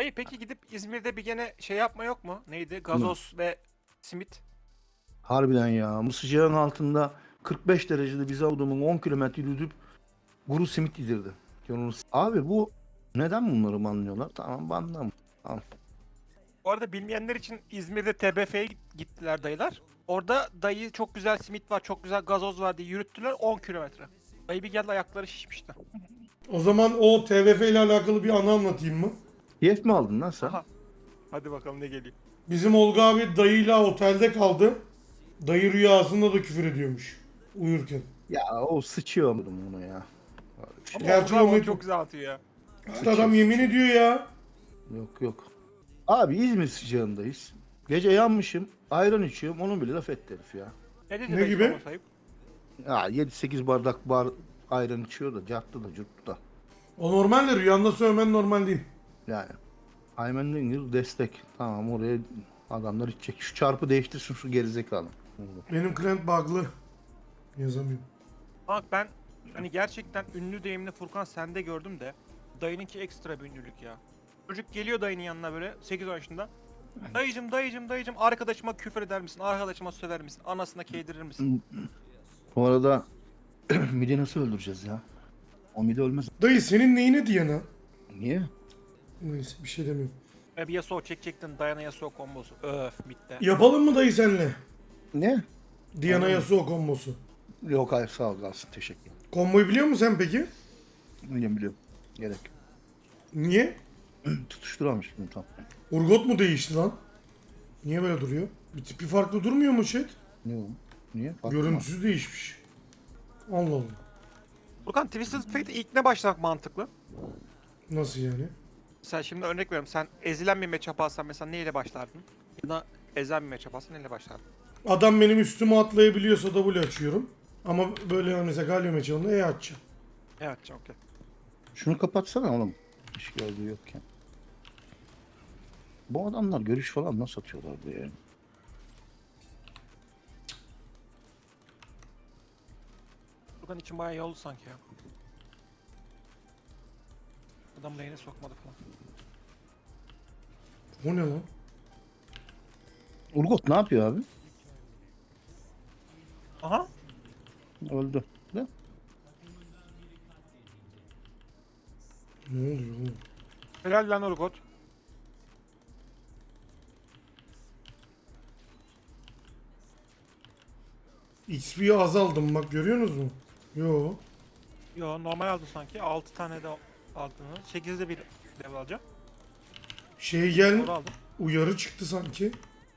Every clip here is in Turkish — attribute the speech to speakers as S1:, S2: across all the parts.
S1: Dayı peki gidip İzmir'de bir gene şey yapma yok mu? Neydi? Gazoz ve simit.
S2: Harbiden ya. Bu sıcağın altında 45 derecede bize adamın 10 kilometre yürüdüp kuru simit yedirdi. Abi bu neden bunları banlıyorlar? Tamam banlam. Tamam.
S1: Bu arada bilmeyenler için İzmir'de TBF'ye gittiler dayılar. Orada dayı çok güzel simit var, çok güzel gazoz var diye yürüttüler 10 kilometre. Dayı bir geldi ayakları şişmişti.
S3: O zaman o TVF ile alakalı bir anı anlatayım mı?
S2: Keyif mi aldın lan sen?
S1: Aha. Hadi bakalım ne geliyor.
S3: Bizim Olga abi dayıyla otelde kaldı. Dayı rüyasında da küfür ediyormuş. Uyurken.
S2: Ya o sıçıyor bunu ya.
S1: Ama
S3: Gerçi
S1: Gerçi
S3: o
S1: çok güzel atıyor ya.
S3: Adam yemin ediyor ya.
S2: Yok yok. Abi İzmir sıcağındayız. Gece yanmışım. Ayran içiyorum. Onu bile laf etti herif ya.
S1: Ne dedi
S3: Ne
S1: dayı
S3: gibi?
S1: sorma sayıp?
S2: Ya 7-8 bardak ayran içiyor da carttı da curttu da.
S3: O normal de rüyanda söylemen normal değil.
S2: Yani. Aymen Dingil destek. Tamam oraya adamlar içecek. Şu çarpı değiştirsin şu gerizekalı.
S3: Benim client bug'lı. Yazamıyorum.
S1: Bak ben hani gerçekten ünlü deyimli Furkan sende gördüm de dayınınki ekstra bir ünlülük ya. Çocuk geliyor dayının yanına böyle 8 yaşında. Dayıcım arkadaşıma küfür eder misin? Arkadaşıma söver misin? Anasına keydirir misin?
S2: Bu arada midi nasıl öldüreceğiz ya? O midi ölmez.
S3: Dayı senin neyine Diana?
S2: Niye?
S3: Neyse bir şey demiyorum.
S1: Bir Yasuo çekecektin Dayana Yasuo kombosu. Öf bitti.
S3: Yapalım mı dayı senle?
S2: Ne?
S3: Diana Yasuo kombosu.
S2: Yok hayır sağ ol kalsın teşekkür ederim.
S3: Komboyu biliyor musun sen peki?
S2: Biliyorum. Gerek yok.
S3: Niye?
S2: Tutuşturamamıştım tam.
S3: Urgot mu değişti lan? Niye böyle duruyor? Bir tipi farklı durmuyor mu chat?
S2: Ne o? Niye? Farklı mı?
S3: Görüntüsü değişmiş. Allah Allah.
S1: Furkan Twisted Fate ilk ne başlamak mantıklı?
S3: Nasıl yani?
S1: Sen şimdi örnek veriyorum. Sen ezilen bir matchup alsan mesela neyle başlardın? Ya da ezen bir matchup alsan neyle başlardın?
S3: Adam benim üstüme atlayabiliyorsa W açıyorum. Ama böyle mesela Galio meçhanında E açacağım.
S1: Evet okey.
S2: Şunu kapatsana oğlum. Hiç gördüğü yokken. Bu adamlar görüş falan nasıl atıyorlar diye.
S1: Furkan için bayağı iyi oldu sanki ya. Adam lane'e sokmadı falan.
S3: O ne lan?
S2: Urgot ne yapıyor abi?
S1: Aha.
S2: Öldü. Ne?
S3: Ne oluyor oğlum?
S1: Helal lan Urgot.
S3: XP'yi azaldım bak görüyorsunuz mu? Yo.
S1: Yo normal aldı sanki. 6 tane de aldığını. 8'de bir level alacağım.
S3: Şey gel
S1: Doğru aldım.
S3: uyarı çıktı sanki.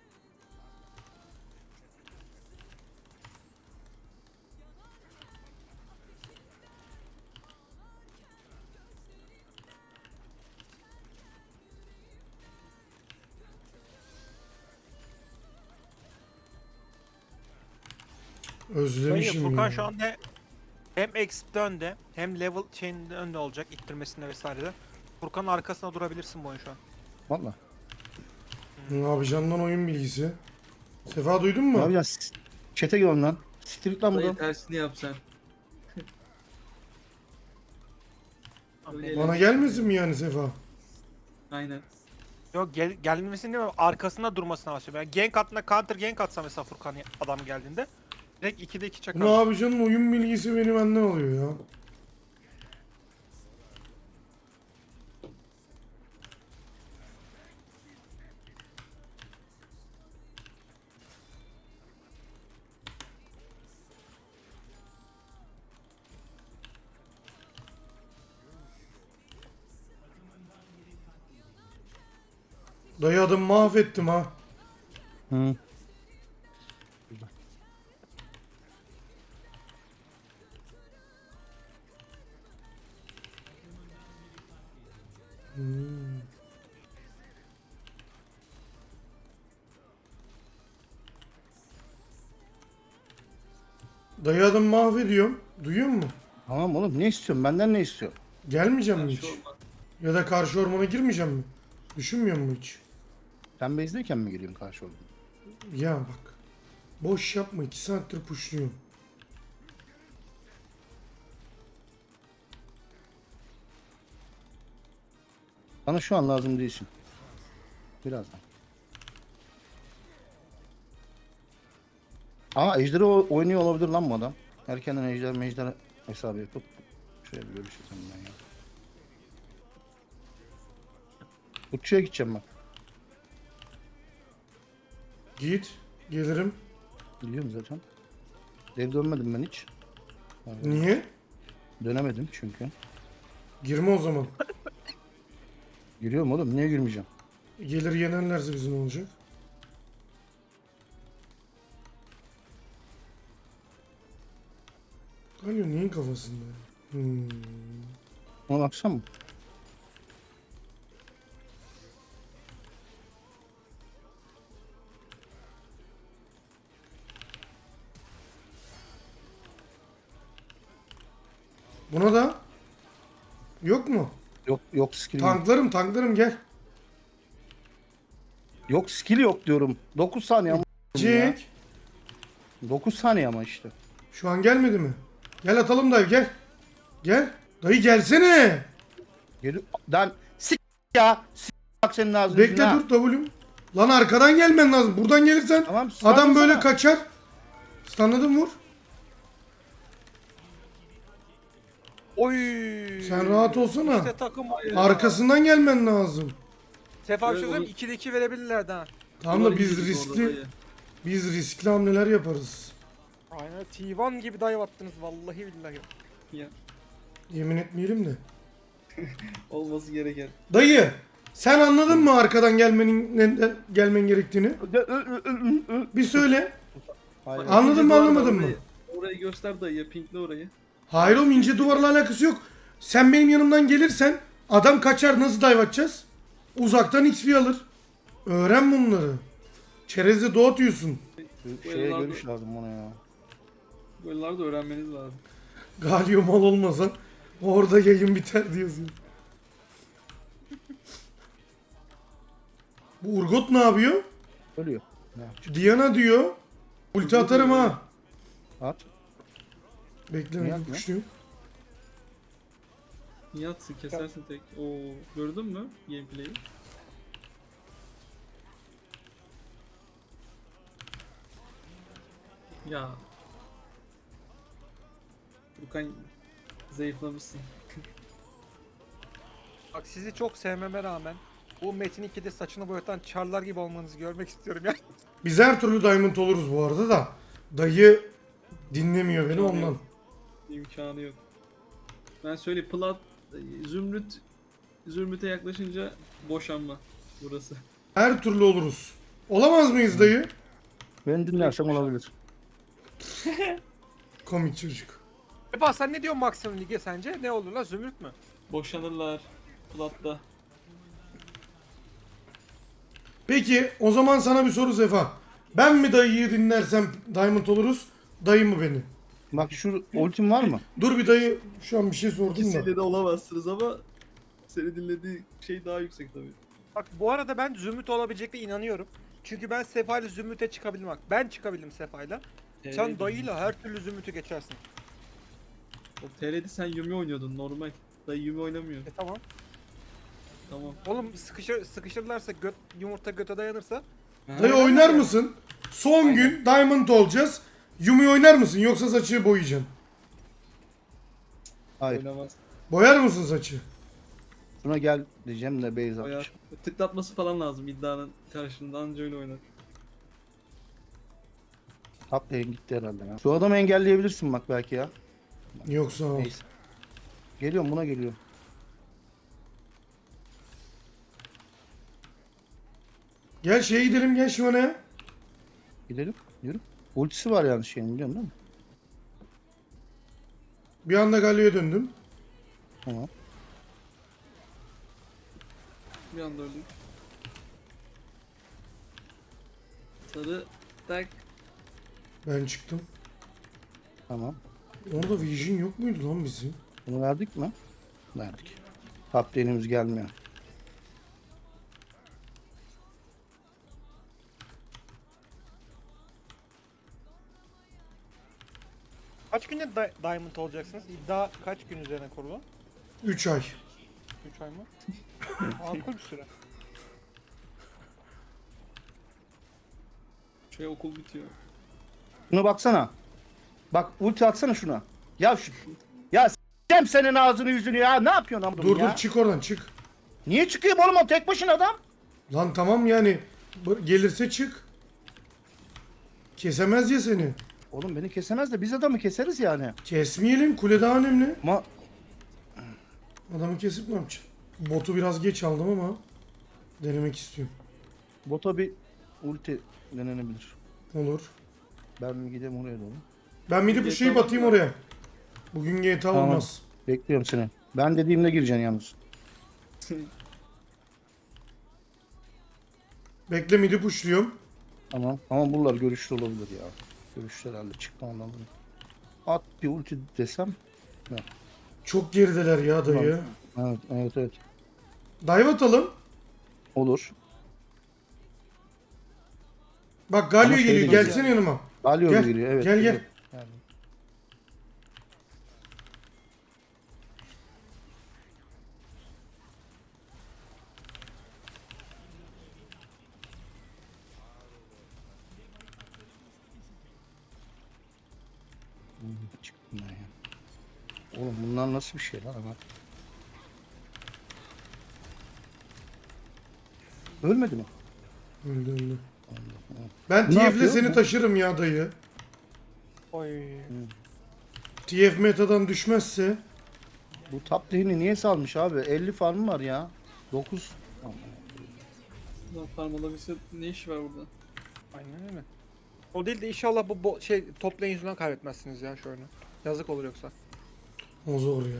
S1: Dayı
S3: Özlemişim
S1: Furkan
S3: ya.
S1: şu anda hem XP'de önde hem level chain'de önde olacak ittirmesinde vesairede. Furkan'ın arkasına durabilirsin bu oyun şu an.
S2: Valla.
S3: Ne yapacaksın lan oyun bilgisi? Sefa duydun
S2: Ne
S3: mu?
S2: yapacağız? Çete gel lan. Siktir lan
S4: Dayı
S2: buradan.
S4: tersini yapsan. Öyle
S3: Bana gelmesin mi yani Sefa?
S4: Aynen.
S1: Yok gelmesini değil mi? Arkasında durmasını bahsediyorum. Yani gank attığında counter gank atsa mesela Furkan adam geldiğinde direkt 2'de 2 çakar.
S3: Ne yapacaksın oyun bilgisi benim benden oluyor ya. Dayı adamı mahvettim ha.
S2: Hı.
S3: Dayı adamı mahvediyorum. Duyuyor musun?
S2: Tamam oğlum ne istiyorsun? Benden ne istiyorsun?
S3: Gelmeyeceğim mi hiç?
S4: Karşı olma.
S3: Ya da karşı ormana girmeyeceğim mi? Düşünmüyor musun hiç?
S2: Sen base'deyken mi gireyim karşı oldum?
S3: Ya bak. Boş yapma 2 saattir pushluyorum.
S2: Bana şu an lazım değilsin. Birazdan. Ama ejderi oynuyor olabilir lan bu adam. Erkenden ejder hesabı yapıp şöyle bir görüşeceğim ben ya. Uçuya gideceğim bak.
S3: Git. Gelirim.
S2: Biliyorum zaten. Geri dönmedim ben hiç.
S3: Niye?
S2: Dönemedim çünkü.
S3: Girme o zaman.
S2: Giriyorum oğlum. Niye girmeyeceğim?
S3: Gelir yenerlerse bizim ne olacak? Galio neyin kafasında?
S2: Ona baksana mı?
S3: Buna da yok mu?
S2: Yok skill yok.
S3: Tanklarım gel.
S2: Yok skill yok diyorum. 9 saniye ama. Ya.
S3: Jack.
S2: 9 saniye ama işte.
S3: Şu an gelmedi mi? Gel atalım dayı gel. Gel. Dayı gelsene.
S2: Geliyor. Lan ya. Bak senin ağzını.
S3: Bekle dur W'm. Lan arkadan gelmen lazım. Buradan gelirsen
S2: Tamam,
S3: adam böyle
S2: sana.
S3: kaçar. Anladın vur.
S1: Oy.
S3: Sen rahat olsana.
S1: İşte takım ayağı.
S3: Arkasından gelmen lazım.
S1: Sefa bir şey
S4: Evet,
S1: söyleyeyim, 2'de 2 verebilirlerdi ha.
S3: Tamam da biz riskli hamleler yaparız.
S1: Aynen T1 gibi dive attınız vallahi billahi.
S4: Ya,
S3: Yemin etmeyelim de.
S4: olması gereken.
S3: Dayı sen anladın mı arkadan neden gelmen gerektiğini? Bir söyle.
S2: Hayır.
S3: An- Anladın mı,
S4: İnce duvar var,
S3: anlamadın mı?
S4: Orayı göster dayı, pinkle orayı.
S3: Hayır oğlum ince duvarla alakası yok. Sen benim yanımdan gelirsen adam kaçar, nasıl dive atacağız? Uzaktan XP alır. Öğren bunları. Çerezde doğatıyorsun.
S2: Şeye görüş lazım ona ya.
S4: Böyleleri de öğrenmeniz lazım.
S3: Galio mal olmasa orada yayın biter diyorsun. Bu Urgot ne yapıyor?
S2: Ölüyor.
S3: Diana diyor. Ulti atarım ha.
S2: At.
S3: Bekle
S2: Niye
S3: ben
S2: atmıyor?
S3: kuşluyum.
S4: Niye atsın, kesersin tek. Oo, gördün mü gameplay'i? Ya. Furkan zayıflamışsın.
S1: Bak sizi çok sevmeme rağmen bu Metin 2'de saçını boyatan çarlar gibi olmanızı görmek istiyorum ya.
S3: Biz her türlü diamond oluruz bu arada da. Dayı dinlemiyor beni ondan.
S4: İmkanı yok. Ben söyleyeyim, Zümrüt'e yaklaşınca boşanma burası.
S3: Her türlü oluruz. Olamaz mıyız dayı?
S2: Beni dinlersem olabilir.
S3: Komik çocuk.
S1: Sefa sen ne diyorsun maksimum lige sence? Ne olur lan Zümrüt mü?
S4: Boşanırlar. Plat'ta.
S3: Peki o zaman sana bir soru Sefa. Ben mi dayıyı dinlersem diamond oluruz? Dayı mı beni?
S2: Bak şu ultim var mı?
S3: Dur bir dayı şu an bir şey sordum da.
S4: İkisiyle de olamazsınız ama seni dinlediği şey daha yüksek tabii.
S1: Bak bu arada ben Zümrüt olabilecekle inanıyorum. Çünkü ben Sefa ile Zümrüt'e çıkabildim bak. Ben çıkabildim Sefa'yla. Sen dayıyla her türlü Zümrüt'ü geçersin.
S4: O TR'de sen Yumi oynuyordun normal. Dayı Yumi oynamıyor.
S1: Tamam.
S4: Tamam.
S1: Oğlum sıkışırlarsa yumurta göte dayanırsa
S3: Dayı oynar mısın? Son gün diamond olacağız. Yumi oynar mısın yoksa saçı boyayacaksın?
S2: Hayır.
S4: Oynamaz.
S3: Boyar mısın saçı?
S2: Şuna gel diyeceğim de base
S4: Bayağı
S2: atmış.
S4: tıklatması falan lazım iddianın karşılığında, anca öyle oynar.
S2: Top lane gitti herhalde ya. Şu adamı engelleyebilirsin bak belki ya.
S3: Yoksa o.
S2: Neyse. Geliyorum buna geliyorum.
S3: Gel şeye gidelim gel Şivan'a.
S2: Gidelim. Yürü. Ultisi var yani şeyin biliyorsun değil mi?
S3: Bir anda Galio'ya döndüm.
S2: Tamam.
S4: Bir anda öldük. Sarı tak.
S3: Ben çıktım.
S2: Tamam.
S3: Orada Vision yok muydu lan bizim?
S2: Bunu verdik mi? Verdik. Top lane'imiz gelmiyor.
S1: kaç günde Diamond olacaksınız? İddia kaç gün üzerine kurulu?
S3: 3 ay.
S1: 3 ay mı? Makul bir süre.
S4: Şey okul bitiyor.
S2: Şuna baksana. Bak ulti atsana şuna. Ya s**eceğim senin ağzını yüzünü ya. Ne yapıyorsun amına
S3: Dur
S2: ya?
S3: dur çık oradan çık.
S2: Niye çıkayım oğlum o tek başına adam?
S3: Lan tamam yani gelirse çık. Kesemez ya seni.
S2: Oğlum beni kesemez de biz adamı keseriz yani.
S3: Kesmeyelim, kule daha önemli.
S2: Ama
S3: Adamı kesip ne yapacaksın? Botu biraz geç aldım ama denemek istiyorum.
S2: bota bir ulti denenebilir.
S3: Olur.
S2: Ben bir gideyim oraya doğru.
S3: Ben bir de bu şeyi
S4: GTA
S3: batayım
S4: var.
S3: oraya. Bugün GTA
S2: Tamam.
S3: olmaz.
S2: Bekliyorum seni. Ben dediğimde gireceksin yalnız.
S3: Bekle midi pushluyorum.
S2: Tamam. Ama bunlar görüşlü olabilir ya. Görüşlü herhalde çıktı ondan. At bir ulti desem.
S3: Çok gerideler ya dayı.
S2: Evet.
S3: Dive atalım.
S2: Olur.
S3: Bak Galio
S2: Ama şey
S3: geliyor.
S2: değil
S3: Gelsene yanıma.
S2: Galio
S3: Gel,
S2: giriyor evet.
S3: gel, gel.
S2: geliyor. Yani. Çıktım ben ya. Oğlum bunlar nasıl bir şey lan ama. Ölmedi mi?
S3: Öldü öldü. Ben
S2: Ne
S3: TF'le
S2: yapıyor
S3: seni
S2: bu?
S3: taşırım ya dayı.
S1: Oy.
S3: TF metadan düşmezse.
S2: Bu top lane'i niye salmış abi? 50 farmı var ya. 9.
S4: Lan farm alabilse ne işi var burada?
S1: Aynen öyle. O değil de inşallah bu top lane yüzünden kaybetmezsiniz ya şu oyunu. Yazık olur yoksa.
S3: O zor ya.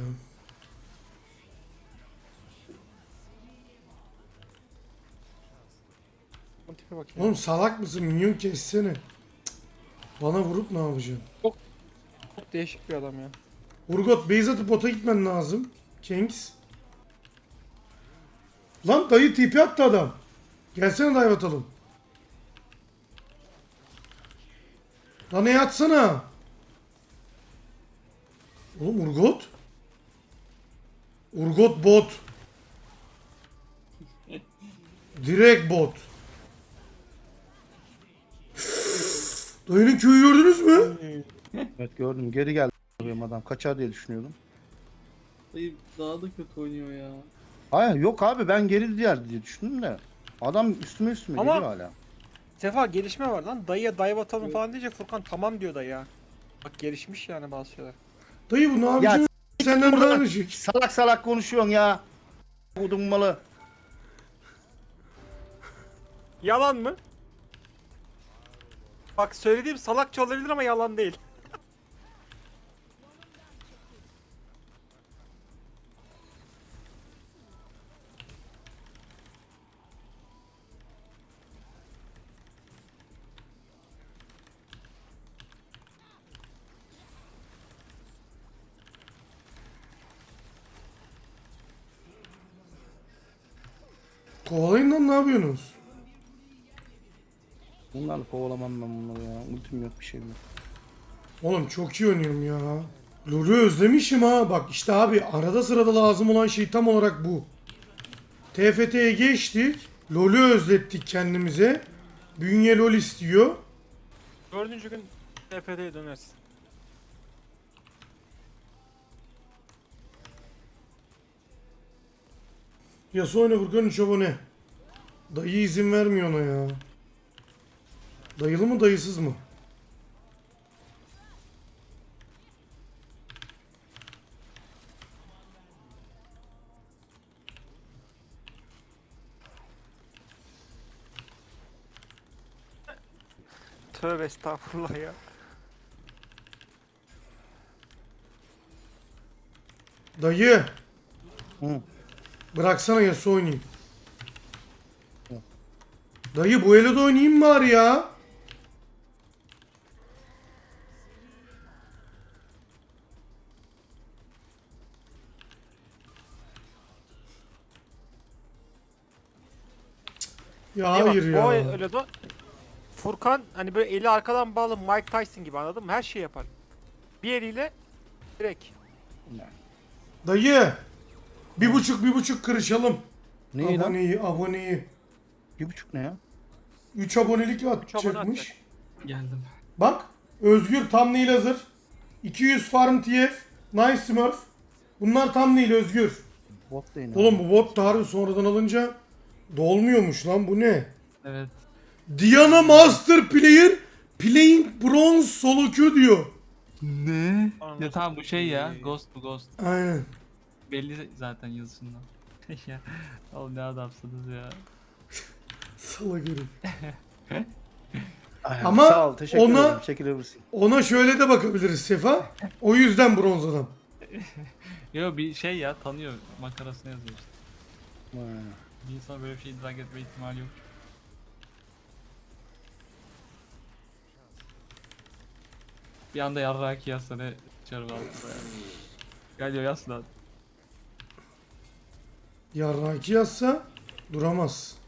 S1: O tipe bak ya.
S3: Oğlum salak mısın? Minyon kessene. Cık. Bana vurup ne yapacaksın?
S1: Çok değişik bir adam ya.
S3: Urgot base atıp bota gitmen lazım. Kings. Lan dayı tipi attı adam. Gelsene dive atalım. Lan ne yatsana. Oğlum Urgot. Urgot bot. Direkt bot. Dayının köyü gördünüz mü?
S2: Evet gördüm. Geri geldi benim adam. Kaçar diye düşünüyordum.
S4: Dayı daha da kötü oynuyor ya.
S2: Hayır yok abi ben geri diye düşündüm de. Adam üstüme
S1: Ama-
S2: geliyor hala.
S1: Sefa gelişme var lan. Dayıya dive atalım
S4: Evet.
S1: falan diyecek Furkan tamam diyor dayı ya. Bak gelişmiş yani bazı şeyler.
S3: Dayı bu ne yapacaksın? Senden daha
S2: buradan.
S3: düşük.
S2: Salak salak konuşuyorsun ya. Odun malı.
S1: Yalan mı? Bak söylediğim salakça olabilir ama yalan değil.
S3: Kovalayın lan ne yapıyorsunuz?
S2: Bunlarla kovalamam ben bunları ya. Ultim yok bir şeyim yok.
S3: Oğlum çok iyi oynuyorum ya. LoL'ü özlemişim ha. Bak işte abi arada sırada lazım olan şey tam olarak bu. TFT'ye geçtik. LoL'ü özlettik kendimize. Bünye LoL istiyor.
S1: 4. gün TFT'ye dönersin.
S3: Yasuo oyna Furkan 3 abone. Dayı izin vermiyor ona ya. Dayılı mı dayısız mı?
S1: Tövbe estağfurullah ya.
S3: Dayı.
S2: Hı.
S3: Bıraksana Yasuo oynayayım. Dayı bu ele de oynayayım bari ya. Ya
S1: İyi bak,
S3: hayır ya.
S1: O öyle de Furkan hani böyle eli arkadan bağlı Mike Tyson gibi anladın mı? Her şeyi yapar. Bir eliyle direkt.
S3: Dayı. Bir buçuk kırışalım.
S2: Neyi lan?
S3: Aboneyi.
S2: 2,5 ne ya?
S3: 3 abonelik
S1: abone
S3: atacakmış.
S4: Geldim.
S3: Bak Özgür thumbnail hazır. 200 farm TF. Nice Smurf. Bunlar thumbnail Özgür.
S2: Bot da yine.
S3: Oğlum bu bot da harbi sonradan alınca dolmuyormuş lan, bu ne?
S4: Evet.
S3: Diana Master Player Playing Bronze Solo Queue diyor.
S4: Ne?
S1: Anasını
S4: Ya tamam bu şey ya.
S1: satayım.
S4: Ghost bu Ghost.
S3: Aynen.
S4: Belli zaten yazısından. Ya. Oğlum ne adamsınız ya.
S3: Salak herif.
S2: Ay,
S3: Ama
S2: sağ ol, teşekkür
S3: ona-
S2: ederim. Çekilebilirsin.
S3: Ona şöyle de bakabiliriz Sefa. O yüzden bronz adam.
S4: Yo bir şey ya tanıyor. Makarasına yazıyor işte.
S2: Ha.
S4: Bir insan böyle bir şey idrak etme ihtimali yok. Bir anda yarraki yazsana çarpı altında ya. Geliyor yaz lan.
S3: Yarraki yazsa duramaz.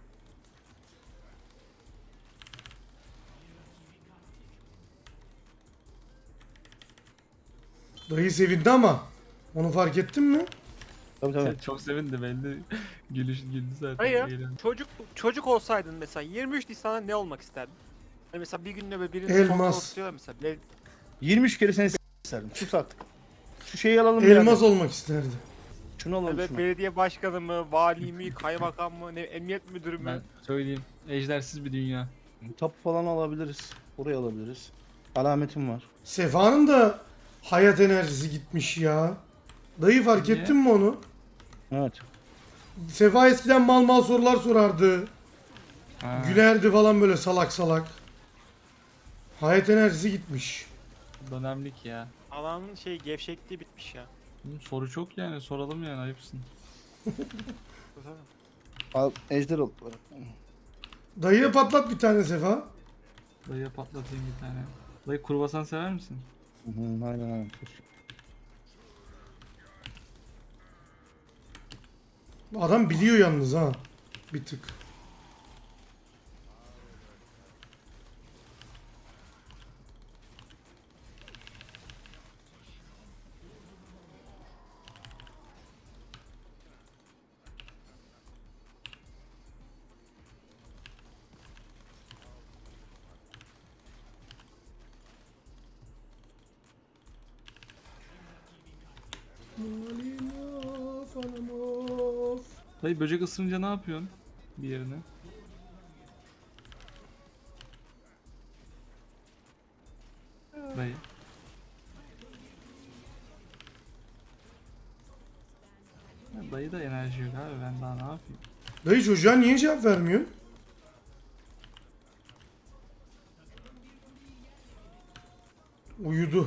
S3: Dayı sevindi ama. Onu fark ettin mi?
S2: Tabii tabii.
S4: Çok sevindi belli. güldü zaten.
S1: Hayır.
S4: Eğlendi.
S1: Çocuk olsaydın mesela 23 Nisan'da ne olmak isterdin? Hani mesela bir günde böyle birini
S3: Elmas.
S1: kontrol tutuyorlar mesela.
S2: 23 kere seni s**erim. Sus artık. Şu şeyi alalım
S3: Elmas
S2: birader.
S3: olmak isterdi.
S2: Şunu alalım
S1: Evet,
S2: şunu.
S1: belediye başkanı mı, vali mi, kaymakam mı, ne, emniyet müdürü mü?
S4: Ben söyleyeyim. Ejdersiz bir dünya.
S2: Tapu falan alabiliriz. Burayı alabiliriz. Alametim var.
S3: Sefa'nın da hayat enerjisi gitmiş ya. Dayı fark
S4: Niye?
S3: ettin mi onu?
S2: Evet.
S3: Sefa eskiden mal mal sorular sorardı.
S4: Ha,
S3: Gülerdi falan böyle salak salak. Hayat enerjisi gitmiş.
S4: dönemlik ya.
S1: Alanın şey gevşekliği bitmiş ya.
S4: Soru çok yani soralım yani ayıpsın.
S2: Al, ejder ol.
S3: Dayıya patlat bir tane Sefa.
S4: Dayıya patlatayım bir tane. Dayı kruvasan sever misin?
S2: Hı, aynen aynen.
S3: Adam biliyor yalnız ha. Bir tık.
S4: Dayı böcek ısırınca ne yapıyorsun? Bir yerine. Dayı. Ya dayı da enerji yok abi ben daha ne yapayım?
S3: Dayı çocuğa niye cevap vermiyor? Uyudu.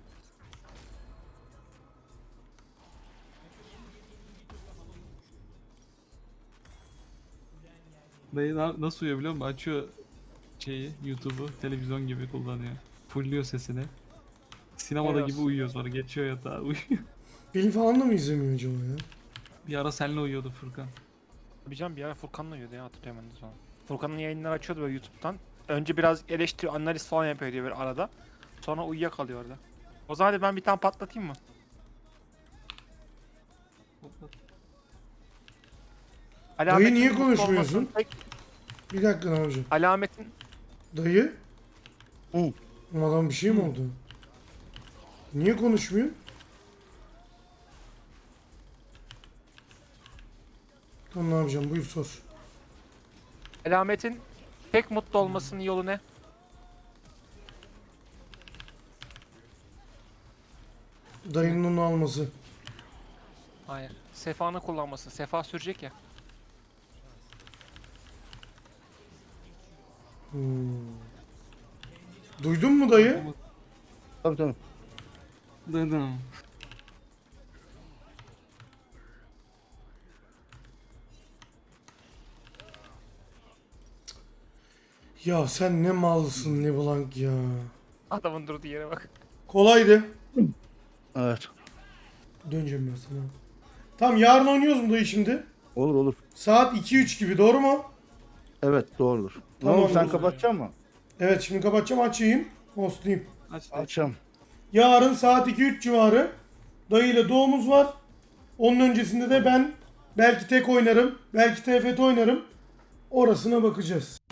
S4: Dayı nasıl uyuyor biliyor musun? Açıyor şeyi YouTube'u televizyon gibi kullanıyor. Fullüyor sesini. Sinemada
S1: Helal
S4: gibi
S1: olsun.
S4: uyuyor sonra geçiyor yatağa uyuyor.
S3: Film falan da mı izlemiyor acaba ya?
S4: Bir ara seninle uyuyordu Furkan.
S1: Bir can bir ara Furkan'la uyuyordu ya, hatırlıyorum ben de sonra. Furkan'ın yayınları açıyordu böyle YouTube'dan. Önce biraz eleştiri, analiz falan yapıyor diyor böyle arada. Sonra uyuyakalıyor orada. O zaman hadi ben bir tane patlatayım mı?
S3: Dayı niye
S1: mutlu
S3: konuşmuyorsun?
S1: olmasının tek
S3: Bir dakika ne yapacağım?
S1: alametin
S3: Dayı?
S2: Hı.
S3: Adam bir şey mi oldu? Niye konuşmuyor? Tamam ne yapacağım? Buyur sor.
S1: alametin tek mutlu olmasının yolu ne?
S3: Dayının onu alması.
S1: Hayır. Sefa'nı kullanması. Sefa sürecek ya.
S3: Hmm. Duydun mu dayı?
S2: Tabii tabii.
S4: Duydum.
S3: Ya sen ne malsın ne blank ya.
S1: Adamın durduğu yere bak.
S3: Kolaydı.
S2: Evet.
S3: Döneceğim ben sana. Tamam yarın oynuyoruz mu dayı şimdi?
S2: Olur olur.
S3: Saat 2-3 gibi doğru mu?
S2: Evet doğrudur. Ne
S3: Tamam,
S2: oldu sen
S3: olur.
S2: kapatacak mısın?
S3: Evet şimdi kapatacağım açayım. Hostlayayım.
S4: Aç dayı.
S2: Açacağım.
S3: Yarın saat 2-3 civarı dayı ile doğumuz var. Onun öncesinde de ben Belki tek oynarım. Belki TFT oynarım. Orasına bakacağız.